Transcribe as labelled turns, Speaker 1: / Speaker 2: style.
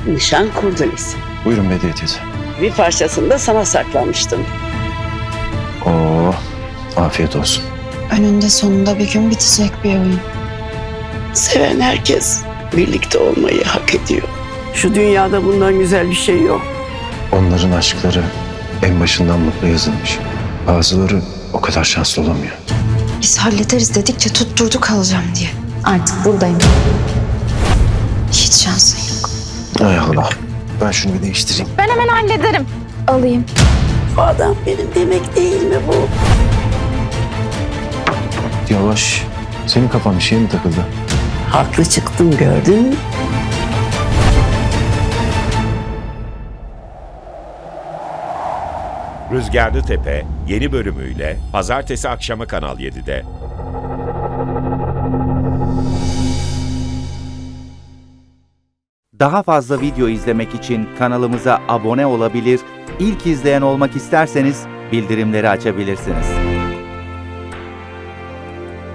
Speaker 1: Nişan kurdunuz.
Speaker 2: Buyurun Bediye teyze.
Speaker 1: Bir parçasını da sana saklamıştım.
Speaker 2: Oo, afiyet olsun.
Speaker 3: Önünde sonunda bir gün bitecek bir oyun.
Speaker 1: Seven herkes birlikte olmayı hak ediyor. Şu dünyada bundan güzel bir şey yok.
Speaker 2: Onların aşkları en başından mutlu yazılmış. Bazıları o kadar şanslı olamıyor.
Speaker 3: Biz hallederiz dedikçe tutturdu kalacağım diye. Artık buradayım. Hiç şansın yok.
Speaker 2: Ay Allah. Ben şunu bir değiştireyim.
Speaker 3: Ben hemen hallederim. Alayım.
Speaker 1: Bu adam benim demek değil mi bu?
Speaker 2: Yavaş. Senin kafan bir şeye mi takıldı?
Speaker 1: Haklı çıktım, gördün mü?
Speaker 4: Rüzgarlı Tepe yeni bölümüyle pazartesi akşamı Kanal 7'de.
Speaker 5: Daha fazla video izlemek için kanalımıza abone olabilir, ilk izleyen olmak isterseniz bildirimleri açabilirsiniz.